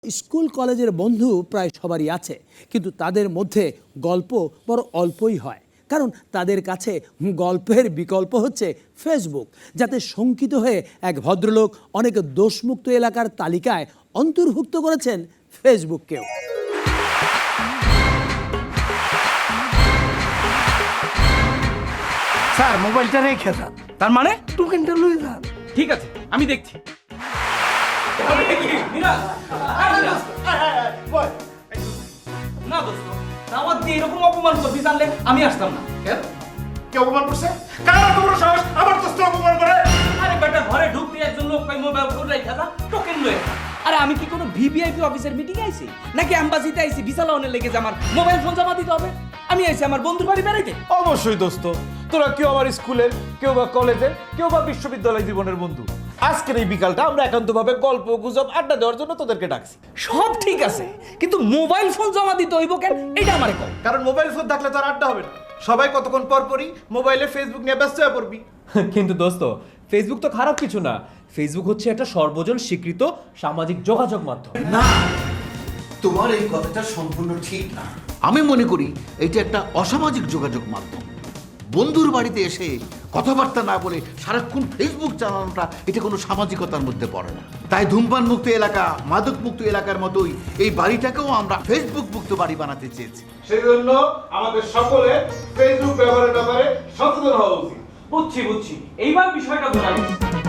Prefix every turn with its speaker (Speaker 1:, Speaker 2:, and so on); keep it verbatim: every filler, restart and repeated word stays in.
Speaker 1: School কলেজের বন্ধু প্রায় সবারই আছে, কিন্তু তাদের মধ্যে গল্প বড় অল্পই হয়, কারণ তাদের কাছে গল্পের বিকল্প হচ্ছে ফেসবুক, যাতে শঙ্কিত হয়ে এক ভদ্রলোক অনেক দোষমুক্ত এলাকার তালিকায় অন্তর্ভুক্ত করেছেন ফেসবুককেও।
Speaker 2: স্যার মোবাইলটা রেখে যান।
Speaker 3: তার মানে
Speaker 2: টোকেনটা লয়ে যান।
Speaker 3: ঠিক আছে, আমি দেখছি। না দোস্ত, দাওয়াত দিয়ে এরকম অপমান করবি জানলে আমি আসতাম না।
Speaker 4: কেন? কে অপমান করছে? কারা তোমার সাহস আমার দোস্ত অপমান করে?
Speaker 3: আরে বেটা, ঘরে ঢুকতে একজন লোক পাই মোবাইল ফোন রাখা যা, টোকেন লয়ে যা। আরে আমি কি কোনো ভিভিআইপি অফিসের মিটিং আইছি নাকি অ্যাম্বাসিতে আইছি ভিসা লাউনের লেগে যে আমার মোবাইল ফোন জমা দিতে হবে? আমি আইছি আমার বন্ধুর বাড়ি বেড়াইতে।
Speaker 5: অবশ্যই দোস্ত, তোরা কেউ আমার স্কুলের, কেউ বা কলেজের, কেউ বা বিশ্ববিদ্যালয় জীবনের বন্ধু। আজকের এই বিকালটা আমরা একান্তভাবে গল্প গুজব আড্ডা দেওয়ার জন্য তোদেরকে ডাকছি।
Speaker 3: সব ঠিক আছে, কিন্তু মোবাইল ফোন জমা দিতে হইব কেন এটা আমারে কও।
Speaker 5: কারণ মোবাইল ফোন থাকলে তো আর আড্ডা হবে না। সবাই কতক্ষণ পর পরই মোবাইলে ফেসবুক নিয়ে ব্যস্ত হয়ে পড়বি।
Speaker 6: কিন্তু দোস্ত, ফেসবুক তো খারাপ কিছু না। ফেসবুক হচ্ছে একটা সর্বজন স্বীকৃত সামাজিক যোগাযোগ মাধ্যম।
Speaker 4: না, তোমার এই কথাটা সম্পূর্ণ ঠিক না। আমি মনে করি এটা একটা অসামাজিক যোগাযোগ মাধ্যম। বন্ধুর বাড়িতে এসে কথাবার্তা না বলে সারাক্ষণ ফেসবুক চালানোটা এটা কোনো সামাজিকতার মধ্যে পড়ে না। তাই ধূমপান মুক্ত এলাকা, মাদক মুক্ত এলাকার মতোই এই বাড়িটাকেও আমরা ফেসবুক মুক্ত বাড়ি বানাতে চেয়েছি।
Speaker 5: সেই জন্য আমাদের সকলে ফেসবুক ব্যবহারের ব্যাপারে সচেতন হওয়া উচিত।
Speaker 3: বুঝছি বুঝছি, এইবার বিষয়টা বোঝা গেছে।